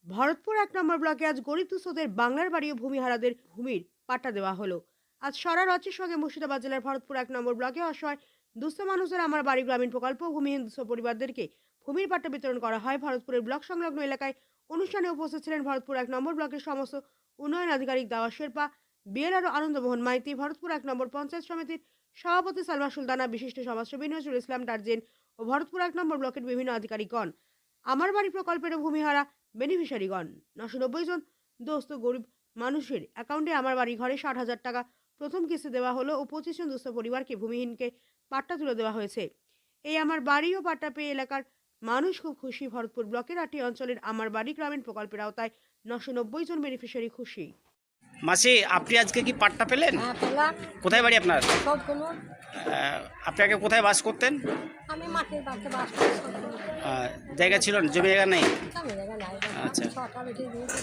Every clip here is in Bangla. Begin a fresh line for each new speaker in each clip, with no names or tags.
ভরতপুর ১ নম্বর ব্লকে আজ গরিব দুস্থদের বাংলার বাড়ি ও ভূমিহারাদের ভূমির পাট্টা দেওয়া হলো। আজ সারা রাজ্যের সঙ্গে মুর্শিদাবাদ জেলার ভরতপুর ১ নম্বর ব্লকে অসহায় দুস্থ মানুষদের আমার বাড়ি গ্রামীণ প্রকল্প ও ভূমিহীন দুস্থ পরিবারদেরকে ভূমির পাট্টা বিতরণ করা হয়। ভরতপুরের ব্লক সংলগ্ন এলাকায় অনুষ্ঠানে উপস্থিত ছিলেন ভরতপুর ১ নম্বর ব্লকের সমস্ত উন্নয়ন আধিকারিক দাওয়া শেরপা, বিএলআর ও আনন্দমোহন মাইতি, ভরতপুর ১ নম্বর পঞ্চায়েত সমিতির সভাপতি সালমা সুলতানা, বিশিষ্ট সমাজসেবী নজরুল ইসলাম টার্জেন ও ভরতপুর ১ নম্বর ব্লকের বিভিন্ন আধিকারিকগণ। আমার বাড়ি প্রকল্পের ভূমিহারা বেনিফিশিয়ারিগণ ৯৯০ জন দোস্ত গরিব মানুষের অ্যাকাউন্টে আমার বাড়ি ঘরে ৬০,০০০ টাকা প্রথম কিস্তি দেওয়া হলো ও ২৫ জন দুস্থ পরিবারকে ভূমিহীনকে পাট্টা তুলে দেওয়া হয়েছে। এই আমার বাড়ি ও পাট্টা পেয়ে এলাকার মানুষ খুব খুশি। ভরতপুর ব্লকের ৮টি অঞ্চলের আমার বাড়ি গ্রামীণ প্রকল্পের আওতায় ৯৯০ জন বেনিফিশিয়ারি খুশি।
মাসি, আপনি আজকে কি পাট্টা পেলেন?
হ্যাঁ, পেলাম।
কোথায় বাড়ি আপনার?
সবগুলো।
আপনি আগে কোথায় বাস করতেন?
আমি মাটির বাড়িতে বাস করি, সবগুলো।
জায়গা ছিল না, জমি জায়গা নেই?
আমি জায়গা নাই।
আচ্ছা।
ছটা বেটি দিয়েছি,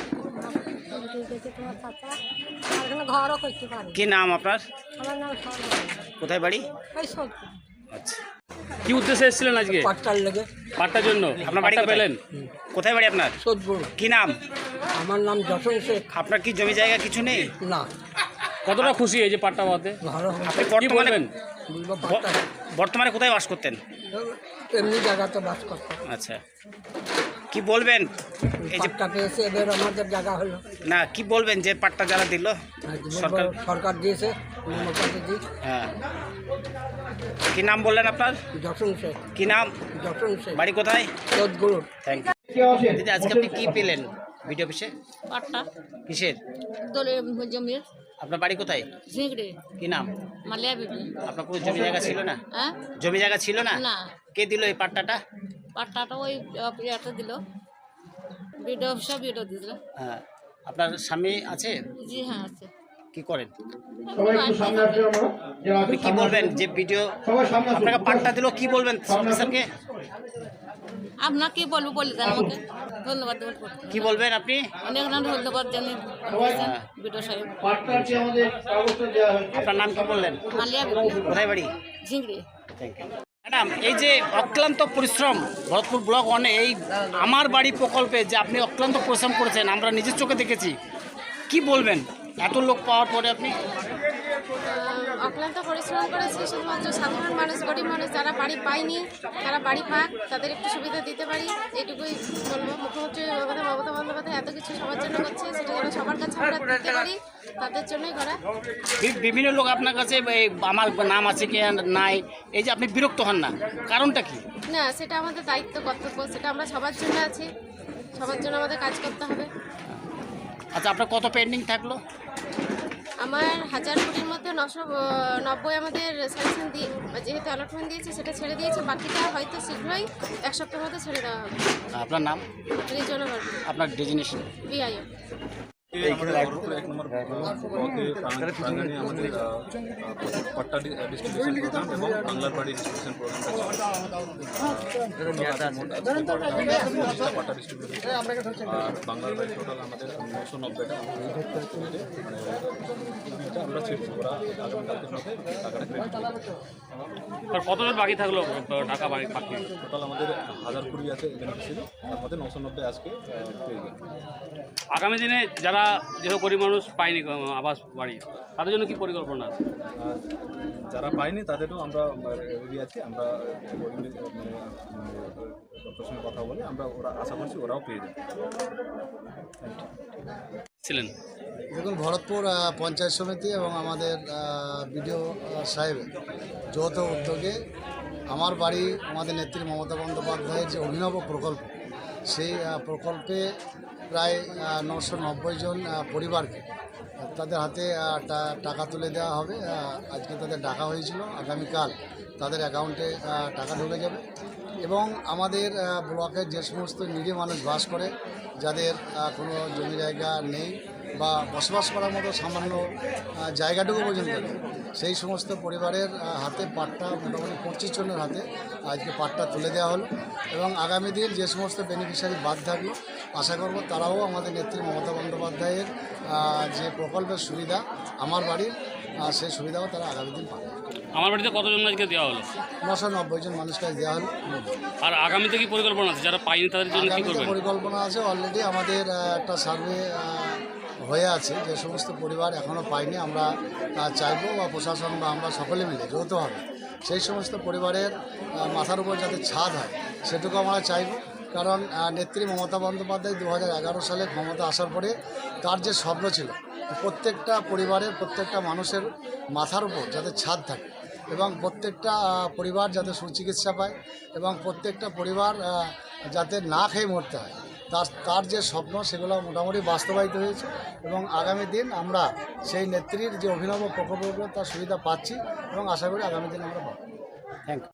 বেটি দিয়েছি তোমার চাচা। আর এখানে ঘরও করতে পারি।
কি নাম আপনার?
আমার নাম সরকার।
কোথায় বাড়ি?
ওই সবগুলো।
আচ্ছা।
কি উদ্দেশ্যে এসেছিলেন আজকে?
পাট্টার লেগে।
পাট্টার জন্য
আপনার বাড়ি
পাট্টা
কোথায়?
পেলেন?
কোথায় বাড়ি আপনার?
সদপুর।
কি নাম?
আমার নাম যশন শেখ।
আপনার কি জমি জায়গা কিছু নেই?
না,
কতটা খুশি এই যে পাট্টা পাওয়াতে?
ভালো।
আপনি
কি বলবেন?
বলবো পাট্টা
বর্তমানে কোথায় বাস করতেন?
এমনি জায়গাতে বাস করতাম।
আচ্ছা, কি বলবেন এই যে
পাট্টা পেয়েছে, এবার আমাদের জায়গা হলো।
না, কি বলবেন যে পাট্টা যারা দিল? সরকার
সরকার দিয়েছে, মমতাদি জি।
হ্যাঁ। কি নাম বললেন আপনার?
যশন শেখ।
কি নাম?
যশন শেখ।
বাড়ি কোথায়?
সদগুলো।
Thank you. দিদি, আজকে আপনি কি পেলেন ভিডিও অফিসে?
পাট্টা
কিসের?
দলে জমির
আপনার বাড়ি কোথায়?
ঝিংড়ে
কি নাম?
মালিয়া বিবি।
আপনার কোনো জমি জায়গা ছিল না?
হ্যাঁ,
জমি জায়গা ছিল না?
না,
কে দিল এই পাট্টাটা?
পাট্টাটা ওই এটা দিল, বিডিও অফিসে বিডিও দিল।
হ্যাঁ। আপনার স্বামী আছে?
জি হ্যাঁ, আছে।
কি করেন? আপনি কি বলবেন যে ভিডিও আপনাকে পাট্টা দিল, কি বলবেন অফিসারকে?
আপনার কি বলবো বলে দেন আমাকে। ধন্যবাদ দেবেন।
কি বলবেন আপনি?
অনেক অনেক ধন্যবাদ জানি বিডিও সাহেব।
আপনার নাম কি বললেন?
মালিয়া বিবি,
কোথায় বাড়ি?
ঝিংড়ে।
Thank you madam. এই যে অক্লান্ত পরিশ্রম ভরতপুর ব্লক ওয়ানে এই আমার বাড়ি প্রকল্পে যে আপনি অক্লান্ত পরিশ্রম করেছেন, আমরা নিজের চোখে দেখেছি, কি বলবেন এত লোক পাওয়ার পরে আপনি?
অক্লান্ত পরিশ্রম করেছি, শুধুমাত্র সাধারণ মানুষ, গরিব মানুষ যারা বাড়ি পায়নি তারা বাড়ি পাক, তাদের একটু সুবিধা দিতে পারি, এইটুকুই বলবো। মুখ্যমন্ত্রী মমতা বন্দ্যোপাধ্যায় এত কিছু সবার জন্য করছে, সেটা যেন সবার কাছে আমরা দিতে পারি, তাদের জন্যই করা।
বিভিন্ন লোক আপনার কাছে এই আমার নাম আছে কি নাই, এই যে আপনি বিরক্ত হন না, কারণটা কি?
না, সেটা আমাদের দায়িত্ব, কর্তব্য, সেটা আমরা সবার জন্য আছি, সবার জন্য আমাদের কাজ করতে হবে।
আচ্ছা, আপনার কত পেন্ডিং থাকলো?
আমার 1000 কোটির মধ্যে 990 আমাদের স্যাংশন দিয়ে, যেহেতু অ্যালটমেন্ট দিয়েছে সেটা ছেড়ে দিয়েছে, বাকিটা হয়তো শীঘ্রই 1 সপ্তাহের মধ্যে ছেড়ে দেওয়া হবে।
আপনার নাম?
রিজনা বার্মা,
আপনার ডেজিনেশন?
বিআইও।
আমাদের ভরতপুর 1 নম্বর ব্লকে প্রাঙ্গণে আমাদের পাট্টা ডিস্ট্রিবিউশন প্রোগ্রাম এবং বাংলার বাড়ি ডিস্ট্রিবিউশন প্রোগ্রামটা পাট্টা ডিস্ট্রিবিউশন আর বাংলার বাড়ি টোটাল আমাদের 990টা আমরা ছেড়েছি। ওরা আগামীকালকের মধ্যে টাকাটা ক্রেডিট করবে।
কতজন বাকি থাকলো টাকা বাকি?
টোটাল আমাদের 1020 আছে বেনিফিশিয়ারি, তার মধ্যে 990 আজকে পেয়ে গেল।
আগামী দিনে যারা যেসব গরিব মানুষ পায়নি আবাস বাড়ি, তাদের জন্য কি পরিকল্পনা আছে?
যারা পায়নি তাদেরও আমরা রেডি আছি। আমরা ডক্টরের সঙ্গে কথা বলে আমরা ওরা আশা করছি ওরাও পেয়ে যাবে।
ছিলেন
দেখুন, ভরতপুর পঞ্চায়েত সমিতি এবং আমাদের বিডিও সাহেবের যৌথ উদ্যোগে আমার বাড়ি, আমাদের নেত্রী মমতা বন্দ্যোপাধ্যায়ের যে অভিনব প্রকল্প, সেই প্রকল্পে প্রায় 990 জন পরিবারকে তাদের হাতে টাকা তুলে দেওয়া হবে। আজকে তাদের ডাকা হয়েছিল, আগামীকাল তাদের অ্যাকাউন্টে টাকা ঢুকে যাবে। এবং আমাদের ব্লকের যে সমস্ত নিরীহ মানুষ বাস করে, যাদের কোনো জমি জায়গা নেই বা বসবাস করার মতো সামান্য জায়গাটুকু পর্যন্ত নেই, সেই সমস্ত পরিবারের হাতে পাট্টা মোটামুটি 25 জনের হাতে আজকে পাট্টা তুলে দেওয়া হলো। এবং আগামী দিন যে সমস্ত বেনিফিশিয়ারি বাদ থাকলো, আশা করব তারাও আমাদের নেত্রী মমতা বন্দ্যোপাধ্যায়ের যে প্রকল্পের সুবিধা আমার বাড়ির সেই সুবিধাও তারা আগামী দিন পাবে।
আমার বাড়িতে কতজন আজকে দেওয়া হলো?
990 জন মানুষকে আজ দেওয়া হলো।
আর আগামীতে কি পরিকল্পনা আছে যারা পায়নি তাদের জন্য কি
আগামীতে
করবেন?
পরিকল্পনা আছে, অলরেডি আমাদের একটা সার্ভে হয়ে আছে, যে সমস্ত পরিবার এখনও পায়নি আমরা চাইবো বা প্রশাসন বা আমরা সকলে মিলে যৌথভাবে সেই সমস্ত পরিবারের মাথার উপর যাতে ছাদ হয় সেটুকু আমরা চাইব। কারণ নেত্রী মমতা বন্দ্যোপাধ্যায় 2011 সালে ক্ষমতা আসার পরে তার যে স্বপ্ন ছিল প্রত্যেকটা পরিবারের প্রত্যেকটা মানুষের মাথার উপর যাতে ছাদ থাকে এবং প্রত্যেকটা পরিবার যাতে সুচিকিৎসা পায় এবং প্রত্যেকটা পরিবার যাতে না খেয়ে মরতে হয়, তার যে স্বপ্ন সেগুলো মোটামুটি বাস্তবায়িত হয়েছে এবং আগামী দিন আমরা সেই নেত্রীর যে অভিনব প্রকল্পগুলো তার সুবিধা পাচ্ছি এবং আশা করি আগামী দিন আমরা পাবো।
Thank you.